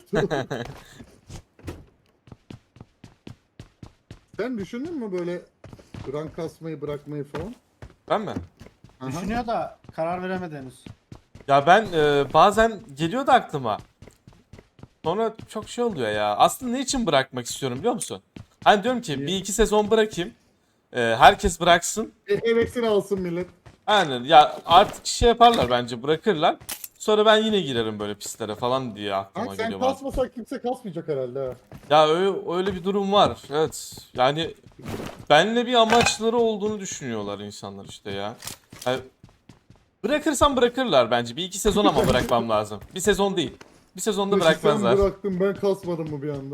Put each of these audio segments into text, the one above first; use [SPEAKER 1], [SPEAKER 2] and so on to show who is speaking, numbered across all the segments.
[SPEAKER 1] Sen düşündün mü böyle rank kasmayı bırakmayı falan?
[SPEAKER 2] Ben mi?
[SPEAKER 1] Aha.
[SPEAKER 3] Düşünüyor da karar veremedi henüz.
[SPEAKER 2] Ya ben bazen geliyor da aklıma. Sonra çok şey oluyor ya. Aslında ne için bırakmak istiyorum biliyor musun? Hani diyorum ki
[SPEAKER 1] Niye?
[SPEAKER 2] bir iki sezon bırakayım. Herkes bıraksın.
[SPEAKER 1] Hevesini alsın millet.
[SPEAKER 2] Aynen ya artık şey yaparlar bence bırakırlar. Sonra ben yine girerim böyle pistlere falan diye aklıma
[SPEAKER 1] Kanka sen
[SPEAKER 2] geliyor bazen.
[SPEAKER 1] kasmasan kimse kasmayacak herhalde ha.
[SPEAKER 2] Ya öyle bir durum var. Evet. Yani benle bir amaçları olduğunu düşünüyorlar insanlar işte ya. Yani bırakırsam bırakırlar bence. Bir iki sezon ama bırakmam lazım. Bir sezon değil. Bir sezonda
[SPEAKER 1] Dışı sen
[SPEAKER 2] bırakmazlar.
[SPEAKER 1] bıraktın ben kasmadım mı bir anda?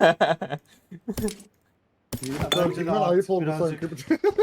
[SPEAKER 3] Bence de
[SPEAKER 1] Derken ayıp
[SPEAKER 3] artık
[SPEAKER 1] oldu
[SPEAKER 3] birazcık-
[SPEAKER 1] sanki.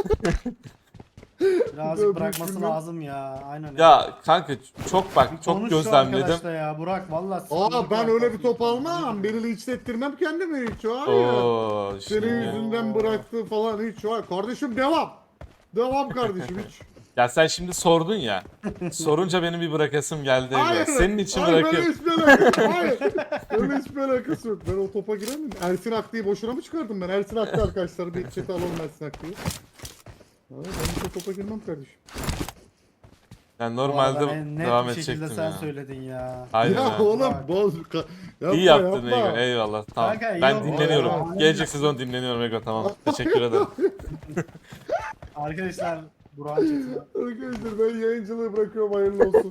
[SPEAKER 3] Birazcık
[SPEAKER 1] Böyle
[SPEAKER 3] bırakması
[SPEAKER 1] bilmem.
[SPEAKER 3] lazım ya. Aynen öyle.
[SPEAKER 2] Ya kanka çok bak çok
[SPEAKER 3] Konuş şu
[SPEAKER 2] gözlemledim.
[SPEAKER 3] arkadaşla ya Burak valla
[SPEAKER 1] Aa ben öyle bir top almam. Beni linçlettirmem kendimi hiç var ya.
[SPEAKER 2] Oo
[SPEAKER 1] Senin
[SPEAKER 2] şimdi.
[SPEAKER 1] yüzünden bıraktı falan hiç var. Kardeşim devam. Devam kardeşim hiç.
[SPEAKER 2] Ya sen şimdi sordun ya. Sorunca benim bir bırakasım geldi.
[SPEAKER 1] Hayır.
[SPEAKER 2] Senin için
[SPEAKER 1] Hayır
[SPEAKER 2] bırakıyorum.
[SPEAKER 1] böyle hiçbir alakası yok. Hayır. Öyle hiçbir alakası yok. Ben o topa giremem. Ersin Aklı'yı boşuna mı çıkardım ben? Ersin Aklı arkadaşlar bir chat'e alalım Ersin Aklı'yı. Hayır ben hiç o topa girmem kardeşim.
[SPEAKER 2] Yani normalde
[SPEAKER 3] net
[SPEAKER 2] devam
[SPEAKER 3] bir şekilde
[SPEAKER 2] edecektim
[SPEAKER 3] sen
[SPEAKER 2] ya.
[SPEAKER 3] söyledin ya.
[SPEAKER 2] Aynen
[SPEAKER 1] Ya
[SPEAKER 2] ha.
[SPEAKER 1] oğlum boz. Yapma
[SPEAKER 2] İyi yaptın
[SPEAKER 1] yapma.
[SPEAKER 2] Ego. Eyvallah. Tamam.
[SPEAKER 3] Kanka, iyi
[SPEAKER 2] Ben
[SPEAKER 3] oldu
[SPEAKER 2] dinleniyorum.
[SPEAKER 3] ya.
[SPEAKER 2] Gelecek sezon dinleniyorum Ego. Tamam. Teşekkür ederim.
[SPEAKER 3] Arkadaşlar Burak'ın chatine.
[SPEAKER 1] Arkadaşlar ben yayıncılığı bırakıyorum hayırlı olsun.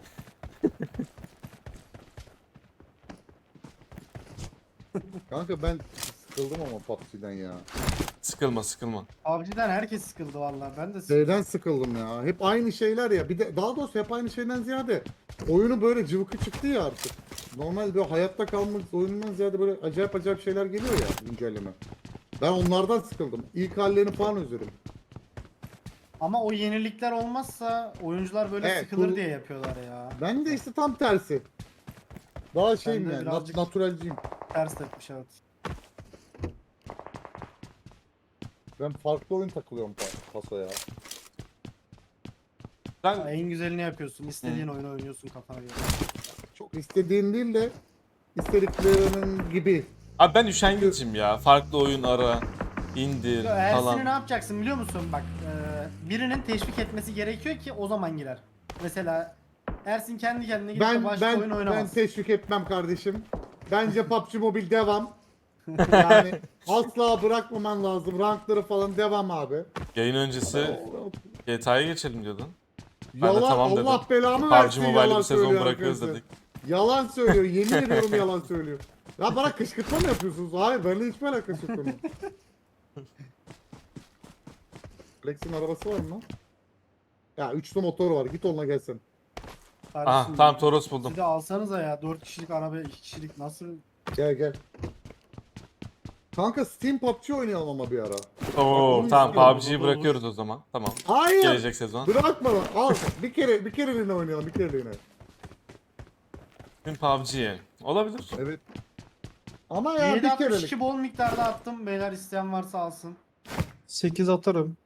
[SPEAKER 1] Kanka ben sıkıldım ama PUBG'den ya.
[SPEAKER 2] Sıkılma sıkılma.
[SPEAKER 3] PUBG'den herkes sıkıldı valla. Ben de
[SPEAKER 1] Şeyden sıkıldım ya. Hep aynı şeyler ya. Bir de daha doğrusu hep aynı şeyden ziyade oyunu böyle cıvıkı çıktı ya artık. Normal böyle hayatta kalmak oyunundan ziyade böyle acayip acayip şeyler geliyor ya güncelleme. Ben onlardan sıkıldım. İlk hallerini falan özledim.
[SPEAKER 3] Ama o yenilikler olmazsa oyuncular böyle
[SPEAKER 1] Evet,
[SPEAKER 3] sıkılır
[SPEAKER 1] bu-
[SPEAKER 3] diye yapıyorlar ya.
[SPEAKER 1] Ben de işte tam tersi. Daha şeyim
[SPEAKER 3] de
[SPEAKER 1] yani,
[SPEAKER 3] birazcık-
[SPEAKER 1] naturalciyim.
[SPEAKER 3] Ters tepmiş evet.
[SPEAKER 1] Ben farklı oyun takılıyorum pasoya.
[SPEAKER 3] Ha,
[SPEAKER 2] Sen
[SPEAKER 3] en güzelini yapıyorsun. İstediğin oyunu oynuyorsun kafana göre.
[SPEAKER 1] Çok istediğin değil de istediklerinin gibi.
[SPEAKER 2] abi ben üşengecim ya. Farklı oyun ara, indir
[SPEAKER 3] Ersin'i ne
[SPEAKER 2] falan.
[SPEAKER 3] yapacaksın biliyor musun? Bak birinin teşvik etmesi gerekiyor ki o zaman girer. Mesela Ersin kendi kendine gidip de başka oyun
[SPEAKER 1] Ben
[SPEAKER 3] oynamaz.
[SPEAKER 1] teşvik etmem kardeşim. Bence PUBG Mobile devam. Yani asla bırakmaman lazım. Rankları falan devam abi.
[SPEAKER 2] Yayın öncesi GTA'ya geçelim diyordun. Ben de
[SPEAKER 1] Yalan
[SPEAKER 2] tamam dedim.
[SPEAKER 1] Allah belamı
[SPEAKER 2] PUBG
[SPEAKER 1] versin
[SPEAKER 2] Mobile'ı
[SPEAKER 1] yalan
[SPEAKER 2] bir sezon
[SPEAKER 1] söylüyor
[SPEAKER 2] bırakıyoruz
[SPEAKER 1] arkadaşlar.
[SPEAKER 2] dedik.
[SPEAKER 1] Yalan söylüyor. Yemin ediyorum yalan söylüyor. Ya bana kışkırtma mı yapıyorsunuz? Hayır benimle hiçbir alakası yok bunun. Flex'in arabası var mı lan? Ya üçlü motor var. Git onunla gelsin.
[SPEAKER 2] Aha
[SPEAKER 3] Kardeşim,
[SPEAKER 2] tamam Toros buldum.
[SPEAKER 3] siz de alsanıza ya 4 kişilik araba 2 kişilik nasıl?
[SPEAKER 1] Gel gel. Kanka Steam PUBG oynayalım ama bir ara.
[SPEAKER 2] Oo
[SPEAKER 1] onu
[SPEAKER 2] tamam
[SPEAKER 1] istiyorum,
[SPEAKER 2] PUBG'yi
[SPEAKER 3] o da olur.
[SPEAKER 2] bırakıyoruz o zaman. Tamam.
[SPEAKER 1] Hayır.
[SPEAKER 2] Gelecek sezon.
[SPEAKER 1] Bırakma lan. Al. Bir kereliğine oynayalım. Bir kereliğine.
[SPEAKER 2] Tüm PUBG'ye. Olabilir.
[SPEAKER 1] Evet. Ama ya bir
[SPEAKER 3] 762
[SPEAKER 1] kerelik.
[SPEAKER 3] bol miktarda attım. Beyler isteyen varsa alsın.
[SPEAKER 4] 8 atarım.